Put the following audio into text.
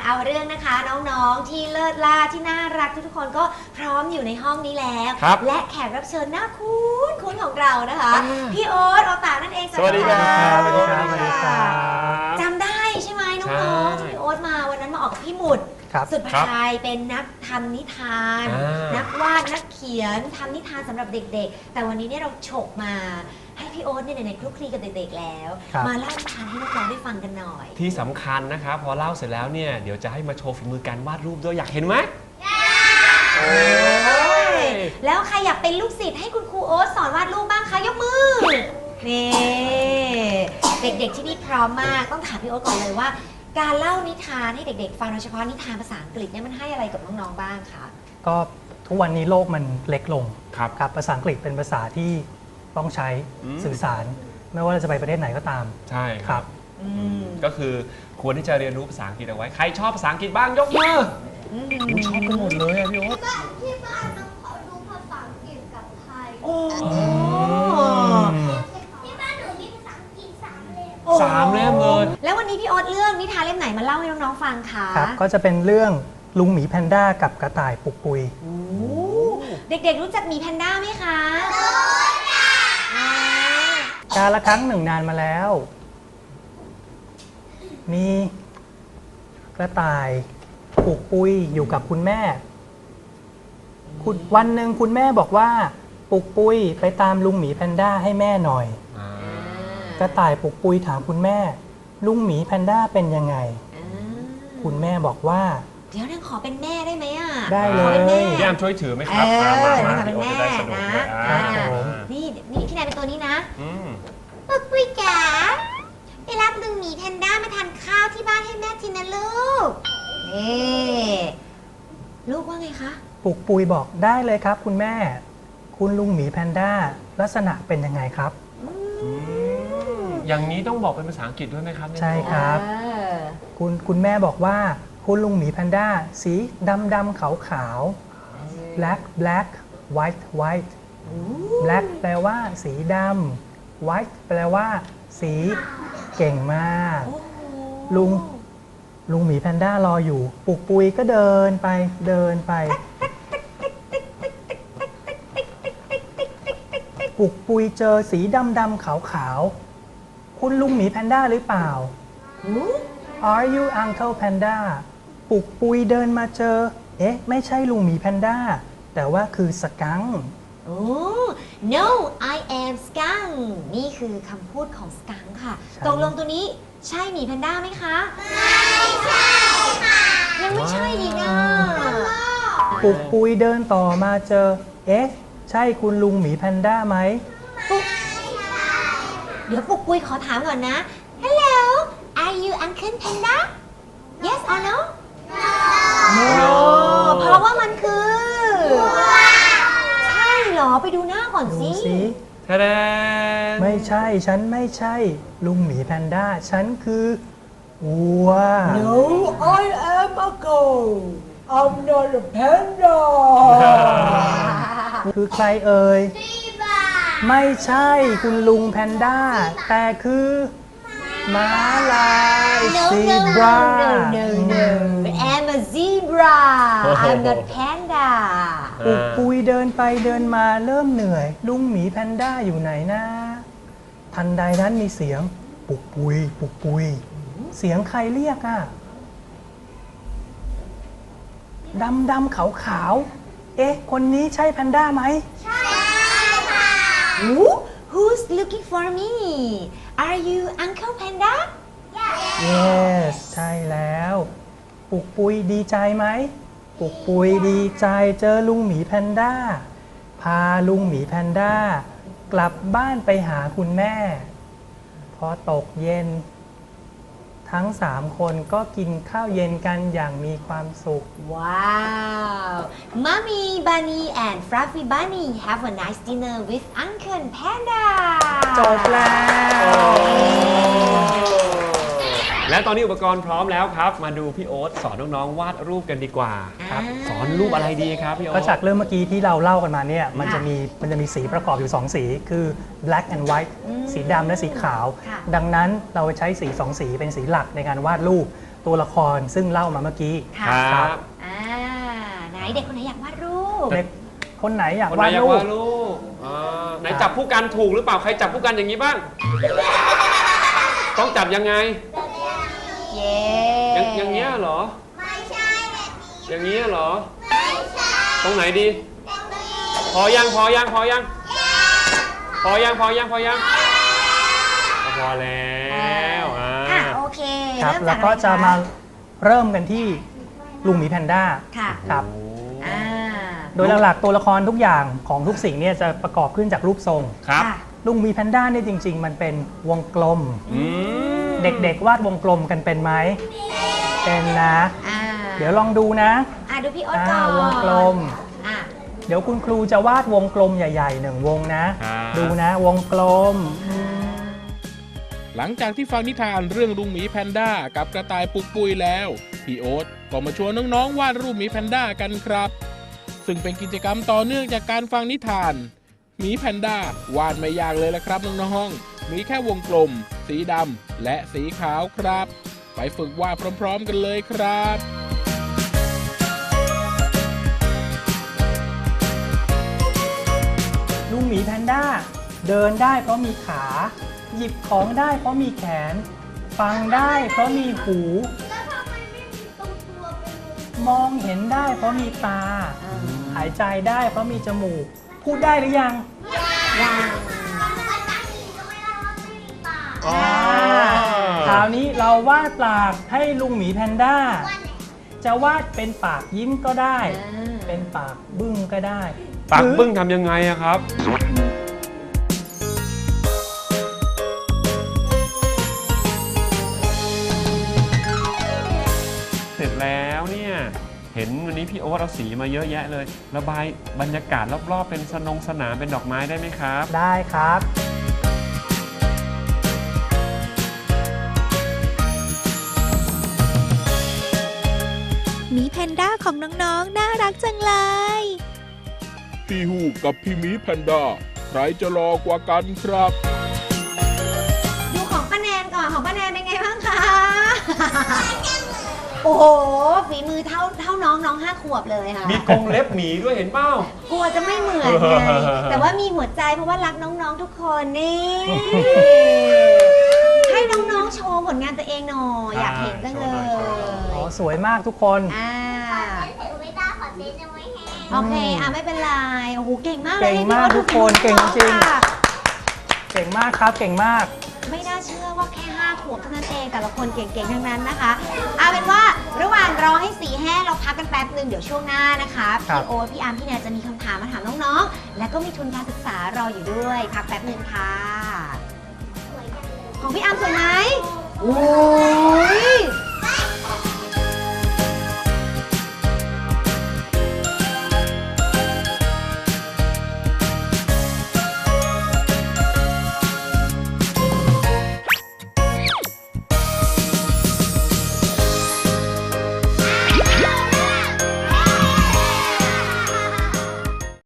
เอาเรื่องนะคะน้องๆที่เลิศล่าที่น่ารักทุกคนก็พร้อมอยู่ในห้องนี้แล้วและแขกรับเชิญน่าคุ้นของเรานะคะพี่โอ๊ตตานั่นเองสวัสดีครับสวัสดีครับสวัสดีครับจำได้ใช่ไหมน้องๆที่พี่โอ๊ตมาวันนั้นมาออกกับพี่หมุดสุดพายเป็นนักทำนิทานนักวาดนักเขียนทำนิทานสำหรับเด็กๆแต่วันนี้เนี่ยเราฉกมาให้พี่โอ๊ตเนี่ยในคลุกคลีกับเด็กๆแล้วมาเล่านิทานให้น้องๆได้ฟังกันหน่อยที่สำคัญนะครับพอเล่าเสร็จแล้วเนี่ยเดี๋ยวจะให้มาโชว์ฝีมือการวาดรูปด้วยอยากเห็นไหมแล้วใครอยากเป็นลูกศิษย์ให้คุณครูโอ๊ตสอนวาดรูปบ้างคะยกมือนี่เด็กๆที่นี่พร้อมมากต้องถามพี่โอ๊ตก่อนเลยว่าการเล่านิทานให้เด็กๆฟังโดยเฉพาะนิทานภาษาอังกฤษเนี่ยมันให้อะไรกับน้องๆบ้างคะก็ทุกวันนี้โลกมันเล็กลงครับภาษาอังกฤษเป็นภาษาที่ต้องใช้สื่อสารไม่ว่าเราจะไปประเทศไหนก็ตามใช่ครับก็คือควรที่จะเรียนรู้ภาษาอังกฤษเอาไว้ใครชอบภาษาอังกฤษบ้างยกมือชอบกันหมดเลยอะพี่โอ๊ตที่บ้านต้องขอดูภาษาอังกฤษกับไทยที่บ้านหนูมีภาษาอังกฤษ3 เล่ม 3 เล่มเลยแล้ววันนี้พี่โอ๊ตเรื่องนิทานเล่มไหนมาเล่าให้น้องๆฟังคะครับก็จะเป็นเรื่องลุงหมีแพนด้ากับกระต่ายปุกปุยเด็กๆรู้จักหมีแพนด้าไหมคะกาลครั้งหนึ่งนานมาแล้วมีกระต่ายปุกปุยอยู่กับคุณแม่วันหนึ่งคุณแม่บอกว่าปุกปุยไปตามลุงหมีแพนด้าให้แม่หน่อยกระต่ายปุกปุยถามคุณแม่ลุงหมีแพนด้าเป็นยังไงคุณแม่บอกว่าเดี๋ยวนั่งขอเป็นแม่ได้ไหมอ่ะได้เลยพี่แอมช่วยถือไหมครับมาเป็นแม่นะนี่พี่นายเป็นตัวนี้นะปุกปุยจ๋าไปรับลุงหมีแพนด้ามาทานข้าวที่บ้านให้แม่ทีนะลูกลูกว่าไงคะปุกปุยบอกได้เลยครับคุณแม่คุณลุงหมีแพนด้าลักษณะเป็นยังไงครับอย่างนี้ต้องบอกเป็นภาษาอังกฤษด้วยไหมครับใช่ครับคุณแม่บอกว่าคุณลุงหมีแพนด้าสีดำขาวblack black white white black แปลว่าสีดำ white แปลว่าสีเก่งมากลุงหมีแพนด้ารออยู่ปุกปุยก็เดินไปปุกปุยเจอสีดำขาวคุณลุงหมีแพนด้าหรือเปล่า Are you Uncle Panda ปุกปุยเดินมาเจอไม่ใช่ลุงหมีแพนด้าแต่ว่าคือสกัง No I am skunk นี่คือคำพูดของสกังค่ะตกลงตัวนี้ใช่หมีแพนด้าไหมคะไม่ใช่ค่ะยังไม่ใช่อีกอ่ะปุกปุยเดินต่อมาเจอใช่คุณลุงหมีแพนด้าไหมเดี๋ยวปุกปุยขอถามก่อนนะ Hello Are you Uncle Panda Yes or No No เพราะว่ามันคือใช่เหรอไปดูหน้าก่อนสิไม่ใช่ฉันไม่ใช่ลุงหมีแพนด้าฉันคือวัว No I am a goat I'm not a panda คือใครเอ่ยไม่ใช่คุณลุงแพนด้าแต่คือม้าลายซีบรา I'm a zebra I'm not panda ปุกปุยเดินไปเดินมาเริ่มเหนื่อยลุงหมีแพนด้าอยู่ไหนนะทันใดนั้นมีเสียงปุกปุยเสียงใครเรียกอ่ะดำขาวคนนี้ใช่แพนด้าไหมใช่ค่ะ Who's looking for me Are you Uncle Panda Yes ใช่แล้วปุกปุยดีใจไหมปุกปุยดีใจเจอลุงหมีแพนด้าพาลุงหมีแพนด้ากลับบ้านไปหาคุณแม่พอตกเย็นทั้ง3 คนก็กินข้าวเย็นกันอย่างมีความสุขว้าว Mommy Bunny and Fluffy Bunny have a nice dinner with Uncle Panda จบแล้วและตอนนี้อุปกรณ์พร้อมแล้วครับ มาดูพี่โอ๊ตสอนน้องๆวาดรูปกันดีกว่าครับสอนรูปอะไรดีครับพี่โอ๊ก็ตจากเรื่องเมื่อกี้ที่เราเล่ากันมาเนี่ยมันจะมีสีประกอบอยู่ 2 สีคือ black and white สีดำและสีขาวค่ะดังนั้นเราใช้สี 2 สีเป็นสีหลักในการวาดรูปตัวละครซึ่งเล่ามาเมื่อกี้ค่ะครับไหนเด็กคนไหนอยากวาดรูปเด็กคนไหนอยากคนไหนวาดอยากรูปวาดรูปไหนจับผู้กันถูกหรือเปล่าใครจับผู้กันอย่างนี้บ้าง ต้องจับยังไงเย้อย่างเงี้ยเหรอไม่ใช่แบบนี้อย่างเงี้ยเหรอไม่ใช่ตรงไหนดีแบบนี้พอยังพอยังพอยังพอยังพอยังพอยังพอแล้วโอเคครับเริ่มแล้วจากก็อะไรจะคมาเริ่มกันที่ลุงหมีแพนด้าค่ะครับอ่าโดยหลักๆตัวละครทุกอย่างของทุกสิ่งเนี่ยจะประกอบขึ้นจากรูปทรงครับค่ะลุงหมีแพนด้าเนี่ยจริง ๆ มันเป็นวงกลม เด็กๆวาดวงกลมกันเป็นไหมเป็นนะ เดี๋ยวลองดูนะดูพี่โอ๊ตก่อนวงกลมอ่ะเดี๋ยวคุณครูจะวาดวงกลมใหญ่ๆ1 วงนะครับดูนะวงกลมหลังจากที่ฟังนิทานเรื่องลุงหมีแพนด้ากับกระต่ายปุกปุยแล้วพี่โอ๊ตก็มาชวนน้องๆวาดรูปหมีแพนด้ากันครับ ซึ่งเป็นกิจกรรมต่อเนื่องจากการฟังนิทานหมีแพนด้าวาดไม่ยากเลยละครับน้องๆมีแค่วงกลม สีดำและสีขาวครับ ไปฝึกวาดพร้อมๆกันเลยครับลุงหมีแพนด้าเดินได้เพราะมีขา หยิบของได้เพราะมีแขน ฟังได้เพราะมีหูแล้วทำไมไม่มีตรงตัวเป็นวงมองเห็นได้เพราะมีตา หายใจได้เพราะมีจมูก พูดได้หรือยังยังภาษาอังกฤษก็ไม่ได้ว่าไม่มีปากอ๋อคราวนี้เราวาดปากให้ลุงหมีแพนด้าว่าไหนจะวาดเป็นปากยิ้มก็ได้ เป็นปากบึ้งก็ได้ปากหรือบึ้งทำยังไงอะครับ เสร็จแล้วเนี่ย เห็นวันนี้พี่โอ๊ตเอาสีมาเยอะแยะเลย ระบายบรรยากาศรอบๆเป็นสนามเป็นดอกไม้ได้ไหมครับได้ครับหมีแพนด้าของน้องๆ น่ารักจังเลยพี่ฮูกกับพี่หมีแพนด้าใครจะรอกว่ากันครับดูของป้าแนนก่อนของป้าแนนเป็นไงบ้างคะ โอ้โหฝีมือเท่าน้อง5 ขวบเลยค่ะมีกรงเล็บหมีด้วยเห็นเปล่ากลัวจะไม่เหมือนไง แต่ว่ามีหัวใจเพราะว่ารักน้องๆทุกคนนี่ ให้น้องๆโชว์ผลงานตัวเองหน่อยอยากเห็นจังเลยอ๋อ สวยมากทุกคนเสร็จไม่ได้ขอเซ็นยังไม่แห้งโอเคไม่เป็นไร โอ้โห เก่งมากเลยเก่งมากพี่โอ๊ตทุกคนดูฝีมือเก่งจริงค่ะเก่งมากครับ เก่งมากไม่น่าเชื่อว่าแค่ 5 ขวบเท่านั้นเอง แต่ละคนเก่งๆ ทั้งนั้นนะคะ เอาเป็นว่าระหว่างรอให้สีแห้งเราพักกันแป๊บนึงเดี๋ยวช่วงหน้านะคะครับพี่โอ๊ตพี่อาร์มพี่แนนจะมีคำถามมาถามน้องๆ และก็มีทุนการศึกษารออยู่ด้วย พักแป๊บนึงค่ะ ของพี่อาร์มสวยไหมโอ้